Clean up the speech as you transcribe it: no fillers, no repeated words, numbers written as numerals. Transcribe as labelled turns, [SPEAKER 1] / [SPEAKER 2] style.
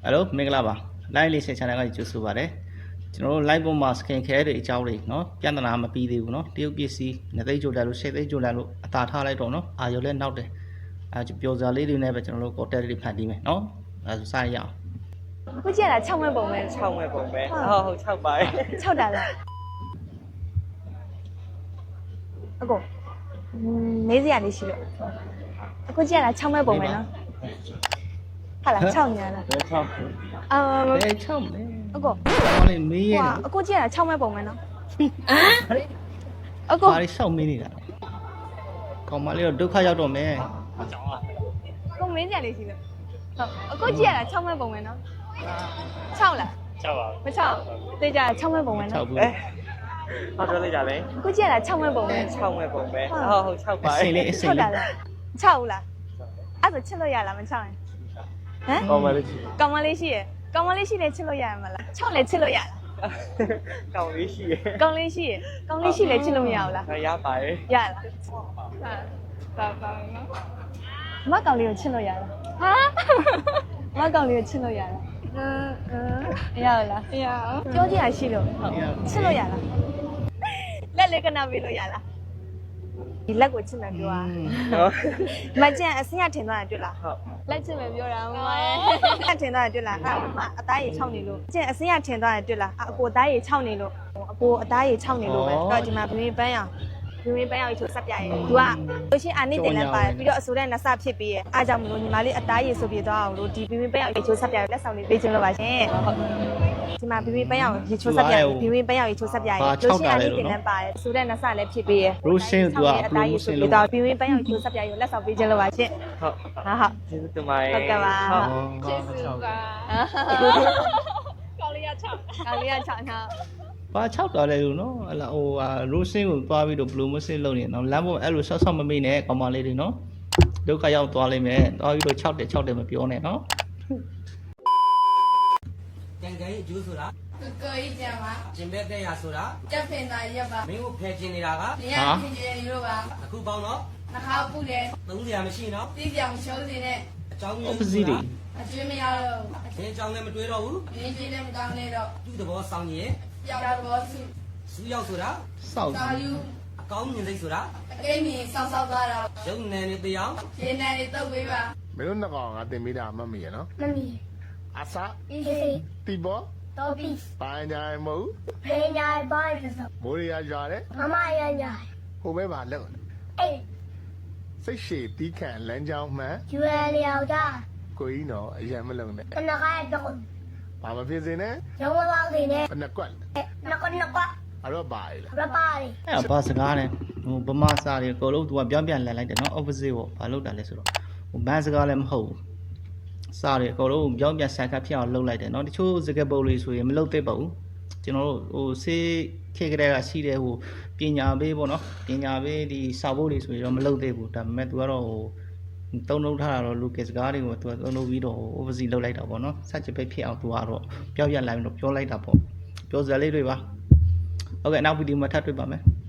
[SPEAKER 1] Hello မင်္ဂလာပါလိုက်လေးဆက် channel ကကြိုဆိုပါတယ်ကျွန်တော်တို့ live ပေါ်မှာ skin care တွေအကြောင်းတွေเนาะပြဿနာမပြီးသေးဘူးเนาะတရုတ်ပစ္စည်းနှစ်သိန်းကြိုတက်လို့10သိန်းကြိုတက်လို့အသာထားလိုက်တော့เนาะအာရုံလည်းနောက်တယ်ပျော်စရာလေးတွေနဲ့ပဲကျွန်တော်တို့ content တွေဖန်တီးမယ်เนาะအဲဆိုစရအောင်
[SPEAKER 2] အခုကြည့်ရတာ6မဲ့ပုံပဲ
[SPEAKER 3] 6မဲ့ပုံပဲဟုတ်6ပါ
[SPEAKER 2] 6တာလားအခုမေးစရာလေးရှိလို့အခုကြည့်ရတာ6မဲ့ပုံပဲနော်ဟာလား6ညာလား
[SPEAKER 3] 6
[SPEAKER 1] 6မဲ
[SPEAKER 2] အခု
[SPEAKER 1] ဘာလဲမေးရ
[SPEAKER 2] အခုကြည့်ရတာ6မဲ့ပုံပဲနော်အခု
[SPEAKER 1] ဘာလဲရှောက်မေးနေတာကောင်မလေးတော့ဒုက္ခရောက်တော့မယ်
[SPEAKER 2] အခုမေးစရာလေးရှိလို့ဟုတ်အခုကြည့်ရတာ6မဲ့ပုံပဲနော်6လား
[SPEAKER 3] 6ပါ
[SPEAKER 2] မ6တေးကြ6မဲ့ပုံပဲနော်
[SPEAKER 1] 6ဘူး
[SPEAKER 3] ဟောပြောလိုက်ကြလဲ
[SPEAKER 2] အခုကြည့်ရတာ6မဲ့ပုံပဲ
[SPEAKER 3] 6မဲ့ပုံပဲဟုတ်6ပါ
[SPEAKER 1] အစိမ့်လေးအစိမ့်လေး
[SPEAKER 2] 6လား6လားအဲ့ဒါချစ်လို့ရလားမ6ရင်ဟမ်
[SPEAKER 3] ကောင်းပါလေ
[SPEAKER 2] ကောင်းမလေးရှိရယ်ကောင်းမလေးရှိတယ်ချစ်လို့ရမှာလား6လည်းချစ်လို့ရလား
[SPEAKER 3] ကောင်းလေးရှိရယ်
[SPEAKER 2] ကောင်းလေးရှိရယ်ကောင်းလေးရှိလည်းချစ်လို့မရဘူးလား
[SPEAKER 3] ရပါတယ်
[SPEAKER 2] ရလားပါနော်မကောင်းလေးကိုချစ်လို့ရလားဟာမကောင်းလေးကိုချစ်လို့ရလားရလားပြောကြရရှိလို့ချစ်လို့ရလားလက်လေးကနာပေးလို့ရလားဒီလက်ကိုချစ်မယ်ပြောမကြံအစင်းရထင်သွားတယ်တွေ့လား
[SPEAKER 3] ဟုတ်
[SPEAKER 2] လက်ချစ်မယ်ပြောတာမမလက်ထင်သွားတယ်တွေ့လားအသားရည်6နေလို့ကြံအစင်းရထင်သွားတယ်တွေ့လားအကိုအသားရည်6နေလို့အကိုအသားရည်6နေလို့ပဲတော့ဒီမှာဘင်းပန်းရအောင်ဘင်းပန်းရအောင်ချိုးဆက်ပြရဲသူကလို့ရှင်းအာနိတင်လည်းပါတယ်ပြီးတော့အစိုးရနဆဖြစ်ပြီးရဲ့အားကြောင့်မလို့ညီမလေးအသားရည်ဆိုပြသွားအောင်လို့ဒီဘင်းပန်းရအောင်ချိုးဆက်ပြရဲလက်ဆောင်လေးပေးခြင်းလို့ပါရှင်ဒီမှာဘင်းပန်းရအောင်ရေချိုးဆက်ပြရဲဘင်းပန်းရအောင်ရေချိုးဆက်ပြရဲလို့ရှင်းအာနိတင်လည်းပါတယ်အစိုးရနဆလည်းဖြစ်ပြီးရဲ့
[SPEAKER 1] ရိုးရှင်းသူကအသားရည်ဆိုပြ
[SPEAKER 2] သွားဘင်းပန်းရအောင်ချိုးဆက်ပြရဲလက်ဆောင်ပေးခြင်းလို့ပါရှင်
[SPEAKER 3] ဟုတ်ကျေးဇူးတင်ပါတယ်
[SPEAKER 2] ဟုတ်ကဲ့ပါ
[SPEAKER 3] ကျေးဇူးပါ
[SPEAKER 2] ကောင်းလေးရ6ကောင်းလေးရ6နော်
[SPEAKER 1] ဘာ6တော်လဲလို့နော်ဟလာဟိုရိုးရှင်းကိုသွားပြီးတော့ promotion လုပ်နေတော့လမ်းပေါ်အဲ့လိုဆော့ဆော့မမေ့နဲ့ကောင်မလေးတွေနော်ဒုက္ခရောက်သွားလိမ့်မယ်သွားပြီးတော့6တယ်မပြောနဲ့နော်
[SPEAKER 4] ကြံကြိုးကျိုးဆိုတာ
[SPEAKER 5] ကိုကြီးကြံပါ
[SPEAKER 4] ကျင်ဘက်တဲ့ရဆိုတာ
[SPEAKER 5] တက်ဖင်သာရက်ပါ
[SPEAKER 4] မင်းကိုဖယ်ကျင်နေတာက
[SPEAKER 5] နေရဖြစ်ကျင်နေလို့ပါ
[SPEAKER 4] အခုပေါင်းတော့
[SPEAKER 5] နှခါပုတယ်
[SPEAKER 4] သုံးစရာမရှိနော်
[SPEAKER 5] တီးပြောင်ရှုံးနေတဲ့အ
[SPEAKER 4] ကြောင်းမျိုး
[SPEAKER 1] opposite တွေ
[SPEAKER 5] အကျွေးမရတော့
[SPEAKER 4] အင်းအကြောင်းလည်းမတွေးတော့ဘူး
[SPEAKER 5] ရင်းကြီးလည်းမကောင်းနေတော့
[SPEAKER 4] သူ့သဘောဆောင်ရင်
[SPEAKER 5] ပြောက်တော့စု
[SPEAKER 4] စူးရောက်ဆိုတာ
[SPEAKER 1] စောက်
[SPEAKER 5] သာယူ
[SPEAKER 4] အကောင်းမြင်စိတ်ဆိုတာ
[SPEAKER 5] အကိန်းကြီးဆောက်ဆောက်သွားတော့
[SPEAKER 4] ရုပ်နယ်နေတရား
[SPEAKER 5] ရင်းနယ်နေတုတ်ပေးပါ
[SPEAKER 6] မင်းတို့နှစ်ကောင်ကတင်ပေးတာမမီရနော်
[SPEAKER 5] မမီ
[SPEAKER 6] အစာ
[SPEAKER 5] အေးစေး
[SPEAKER 6] တီဘော
[SPEAKER 5] တော့ပြီ
[SPEAKER 6] ပိုင်းကြိုင်မဟုတ်
[SPEAKER 5] ဖေးညာပိုင်းဆို
[SPEAKER 6] မိုးရရွာတယ်
[SPEAKER 5] မမရညာ
[SPEAKER 6] ဟိုဘဲပါလက်
[SPEAKER 5] အေး
[SPEAKER 6] စိတ်ရှည်တီးခံလမ်းကြောင်းမှန်
[SPEAKER 5] ကျွဲလျောက်တာ
[SPEAKER 6] ကိုကြီးနော်အရင်မလုံးနဲ့
[SPEAKER 5] ခဏခါတော့
[SPEAKER 6] ဘာမဖြစ်စေနဲ့
[SPEAKER 5] ရုံးမပေါင်းနေနဲ့
[SPEAKER 6] ဘယ်နှကွက်
[SPEAKER 5] နှကွက်အဲ့
[SPEAKER 6] တော့ပါလေ
[SPEAKER 5] ရပါတယ်
[SPEAKER 1] အဲ့ဘာစကားလဲဟိုဗမာစာတွေအကုန်လုံးသူကပြောင်းပြန်လည်လိုက်တယ်နော် opposite ပေါ့ဘာလုပ်တာလဲဆိုတော့ဟိုဘန်းစကားလည်းမဟုတ်ဘူးစာတွေအကုန်လုံးပြောင်းပြန်ဆန်ခတ်ဖြစ်အောင်လုပ်လိုက်တယ်နော်တချို့စကားပုံလေးဆိုရင်မလုပ်သေးပါဘူးကျွန်တော်တို့ဟိုစေးခေကတဲ့ကရှိတဲ့ဟိုပညာပေးပေါ့နော်ပညာပေးဒီစာဖို့တွေဆိုရင်တော့မလုပ်သေးဘူးဒါပေမဲ့သူကတော့ဟိုတုံးလုံးထားတာတော့လူကစကားတွေကိုသူကတုံးလုံးပြီးတော့ opposite လုပ်လိုက်တာပေါ့နော်စัจပိတ်ဖြစ်အောင်သူကတော့ပြောင်းပြန်လိုက်ပြီးတော့ပြောလိုက်တာပေါ့ပြောစရာလေးတွေပါဟုတ်ကဲ့နောက်ဗီဒီယိုမှာထပ်တွေ့ပါမယ်